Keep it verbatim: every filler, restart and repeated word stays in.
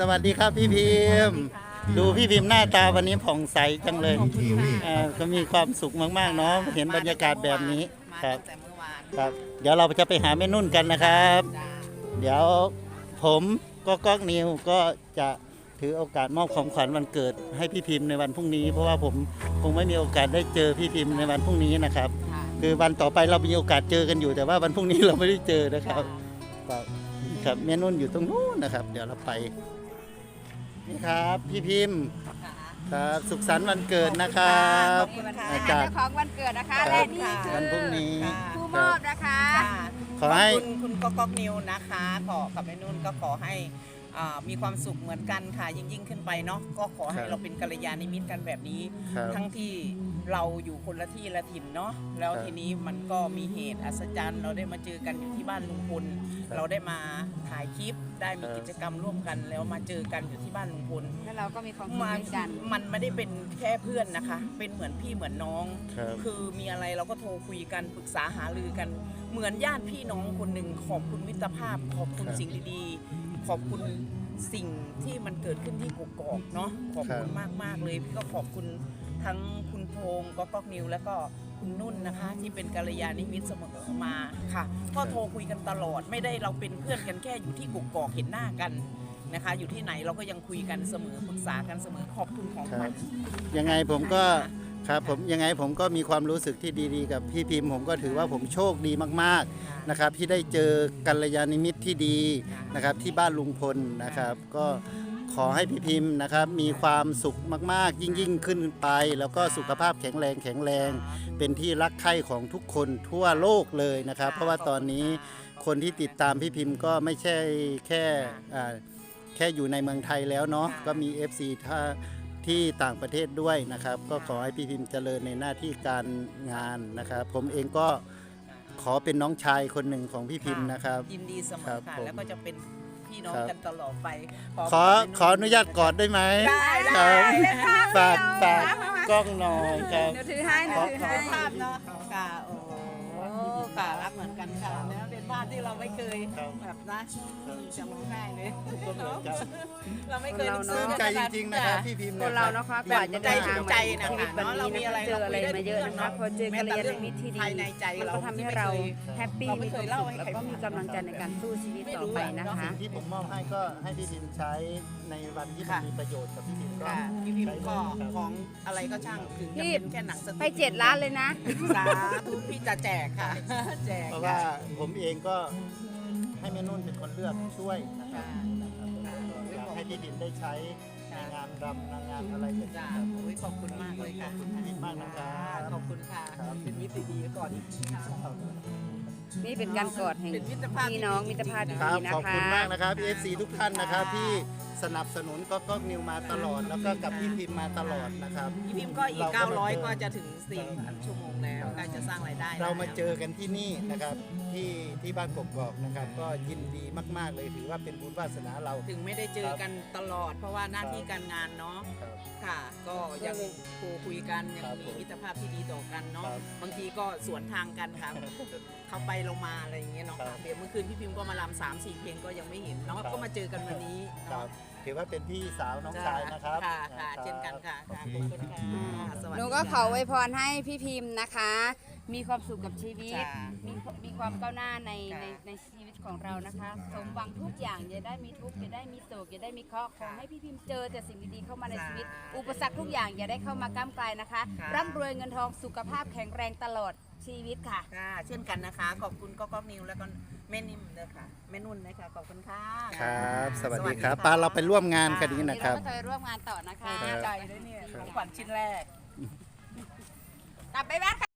วัสดีครับพี่พิมพ์ดูพี่พิมพ์หน้าตาวันนี้ผ่องใสจังเลยอ่าก็มีความสุขมากๆเนาะเห็นบรรยากาศแบบนี้ครับครับเดี๋ยวเราจะไปหาแม่นุ่นกันนะครับ เดี๋ยวผมก็ก๊อกนิวก็จะถือโอกาสมอบของขวัญวันเกิดให้พี่พิมพ์ในวันพรุ่งนี้เพราะว่าผมคงไม่มีโอกาสได้เจอพี่พิมพ์ในวันพรุ่งนี้นะครับคือวันต่อไปเรามีโอกาสเจอกันอยู่แต่ว่าวันพรุ่งนี้เราไม่ได้เจอนะครับครับแม่นุ่นอยู่ตรงนู้นนะครับเดี๋ยวเราไปนี่ครับพี่พิมพ์ครับสุขสันต์วันเกิดนะครับอาจารย์ของวันเกิดนะคะและนี่คือวันพรุ่งนี้ผู้มอบนะคะขอให้คุณคุณก๊อกก๊อกนิวนะคะขอกับแม่นุ่นก็ขอให้มีความสุขเหมือนกันค่ะยิ่งยิ่งขึ้นไปเนาะก็ขอให้เราเป็นกัลยาณมิตรกันแบบนี้ทั้งที่เราอยู่คนละที่ละถิ่นเนาะแล้วทีนี้มันก็มีเหตุอัศจรรย์เราได้มาเจอกันอยู่ที่บ้านลุงพลเราได้มาถ่ายคลิปได้มีกิจกรรมร่วมกันแล้วมาเจอกันอยู่ที่บ้านลุงพลแล้วเราก็มีความสุขกันมันไม่ได้เป็นแค่เพื่อนนะคะเป็นเหมือนพี่เหมือนน้องคือมีอะไรเราก็โทรคุยกันปรึกษาหารือกันเหมือนญาติพี่น้องคนหนึ่งขอบคุณมิตรภาพขอบคุณสิ่งดีๆขอบคุณสิ่งที่มันเกิดขึ้นที่กกอกเนาะขอบคุณมากมากเลยพี่ก็ขอบคุณทั้งคุณพงศ์ก๊อกก๊อกนิวแล้วก็คุณนุ่นนะคะที่เป็นกัลยาณมิตรเสมอมาค่ะก็โทรคุยกันตลอดไม่ได้เราเป็นเพื่อนกันแค่อยู่ที่กกอกเห็นหน้ากันนะคะอยู่ที่ไหนเราก็ยังคุยกันเสมอปรึกษากันเสมอขอบคุณของขวัญยังไงผมก็ครับผมยังไงผมก็มีความรู้สึกที่ดีๆกับพี่พิมพ์ผมก็ถือว่าผมโชคดีมากๆนะครับที่ได้เจอกัลยาณมิตรที่ดีนะครับที่บ้านลุงพลนะครับก็ขอให้พี่พิมพ์นะครับมีความสุขมากๆยิ่งยิ่งขึ้นไปแล้วก็สุขภาพแข็งแรงแข็งแรงเป็นที่รักใคร่ของทุกคนทั่วโลกเลยนะครับเพราะว่าตอนนี้คนที่ติดตามพี่พิมพ์ก็ไม่ใช่แค่แค่อยู่ในเมืองไทยแล้วเนาะก็มี เอฟ ซี ถ้าที่ต่างประเทศด้วยนะครับก็ขอให้พี่พิมพ์เจริญในหน้าที่การงานนะครับผมเองก็ขอเป็นน้องชายคนหนึ่งของพี่พิมพ์นะครับยินดีเสมอค่ะแล้วก็จะเป็นพี่น้องกันตลอดไปขอขออนุญาตกอดได้ไหมได้ได้ฝากฝากกล้องหน่อยครับเดี๋ยวถือให้ขอขอภาพเนาะค่ะโอ้ค่ะรักเหมือนกันค่ะแล้วเป็นบ้านที่เราไม่เคยแบบนะจะร้องไห้เลยเราไม่เคยซื้อใจจริงๆนะครับพี่พิมพ์คนเราเนาะค่ะกว่าจะได้ถึงใจนะคะเนาะเรามีอะไรเจออะไรมาเยอะนะคะพอเจอกัลยาณมิตรที่ดีมันก็ทำให้เราแฮปปี้มีความสุขแล้วก็มีกำลังใจในการสู้ชีวิตต่อไปนะคะที่ผมมอบให้ก็ให้พี่พิมพ์ใช้ในวันที่มันมีประโยชน์กับพี่พิมพ์ก็พี่พิมพ์ก็ของอะไรก็ช่างถึงจะเป็นแค่หนังสติ๊กไปเจ็ดล้านเลยนะสาธุพี่จะแจกค่ะแจกเพราะว่าผมเองก็ให้แม่นุ่นเป็นคนเลือกช่วยนะครับอยากให้พี่พิมพ์ได้ใช้ในงานรำงานอะไรอย่างเงี้ยขอบคุณมากเลยค่ะขอบคุณพี่พิมพ์มากนะครับขอบคุณค่ะเป็นมิตรดีก่อนนี่เป็นการกอดแห่งพี่น้องมิตรภาพดีนะคะขอบคุณมากนะครับ เอฟ ซี ทุกท่านนะครับที่สนับสนุนก็ก็นิวมาตลอดแล้วก็กับพี่พิมพ์มาตลอดนะครับพี่พิมพ์ก็อีกเก้าร้อยก็จะถึงสี่พันชั่วโมงแล้วใกล้จะสร้างรายได้เรามาเจอกันที่นี่นะครับที่ที่บ้านกกอกนะครับก็ยินดีมากๆเลยถือว่าเป็นบุญวาสนาเราถึงไม่ได้เจอกันตลอดเพราะว่าหน้าที่การงานเนาะค่ะก็ยังโทรคุยกันยังมีมิตรภาพที่ดีต่อกันเนาะบางทีก็สวนทางกันค่ะเขาไปลงมาอะไรอย่างเงี้ยเนาะเดี๋ยวเมื่อคืนพี่พิมพ์ก็มาลำสามสี่เพลงก็ยังไม่เห็นเนาะก็มาเจอกันวันนี้ถือว่าเป็นพี่สาวน้องชายนะครับค่ะค่ะเช่นกันค่ะขอบคุณค่ะหนูก็ขออวยพรให้พี่พิมพ์นะคะมีความสุขกับชีวิตมีมีความก้าวหน้าในในในชีวิตของเรานะคะสมหวังทุกอย่างอย่าได้มีทุกข์อย่าได้มีโศกอย่าได้มีเคราะห์ขอให้พี่พิมพ์เจอแต่สิ่งดีๆเข้ามาในชีวิตอุปสรรคทุกอย่างอย่าได้เข้ามาก้ำกลายนะคะร่ำรวยเงินทองสุขภาพแข็งแรงตลอดชีวิตค่ะค่ะเช่นกันนะคะขอบคุณก๊อกก๊อกนิวแล้วก็แม่นิ่มเลยค่ะแม่นุ่นนะคะขอบคุณค่ะครับสวัสดีครับป้าเราไปร่วมงานกันนี้นะครับเราจะไปร่วมงานต่อนะคะใจด้วยเนี่ยของขวัญชิ้นแรกกลับไปบ้าน